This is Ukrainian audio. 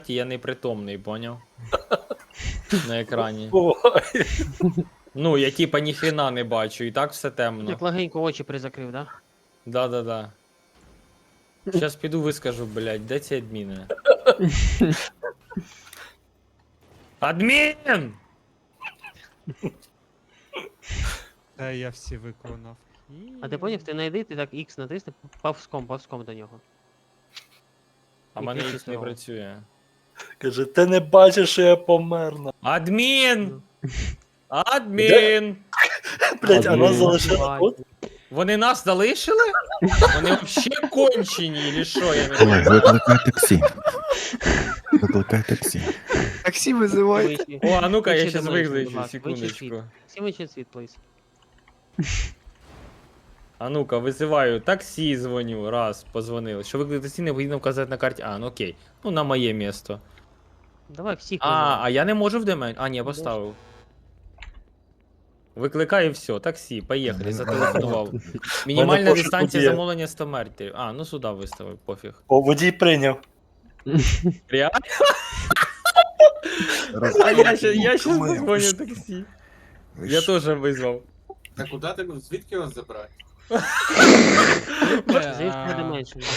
я непритомний, поняв? На екрані. Ой. Ну, я типа ніхрена не бачу, і так все темно. Як легенько очі призакрив, да? Да-да-да. Щас піду вискажу, блядь, де ці адміни? Адмін! Та я всі виконав. А ти поняв, ти знайди, ти так X натисни, повзком до нього. А І мене ти їх не чистого. працює. Каже, ти не бачиш, що я помер. Адмін! Адмін! Блять, а нас Адмін. залишили тут? Вони нас залишили? Вони взагалі кончені, чи що? Я не Олег, викликай таксі. Викликай таксі. Таксі визивайте. Вище. О, а ну-ка, я Вище щас до мене, виключу, будь ласка, вище світ. секундочку. Всі вище світ, плиз. А ну-ка, визиваю таксі, дзвоню. Раз, позвонили. Що викликати таксі, необхідно вказати на карті. А, ну окей. Ну, на моє місто. Давай всіх А я не можу в демен. А, ні, я поставив. Викликаю і все, таксі, поїхали, зателефонував. Мінімальна пошук дистанція є. замовлення 100 метрів. А, ну сюди виставив, пофіг. О, водій прийняв. Реально? А я щас позвоню таксі. Я теж визвав. Та куди ти? Звідки вас забрати? Звідки не менше.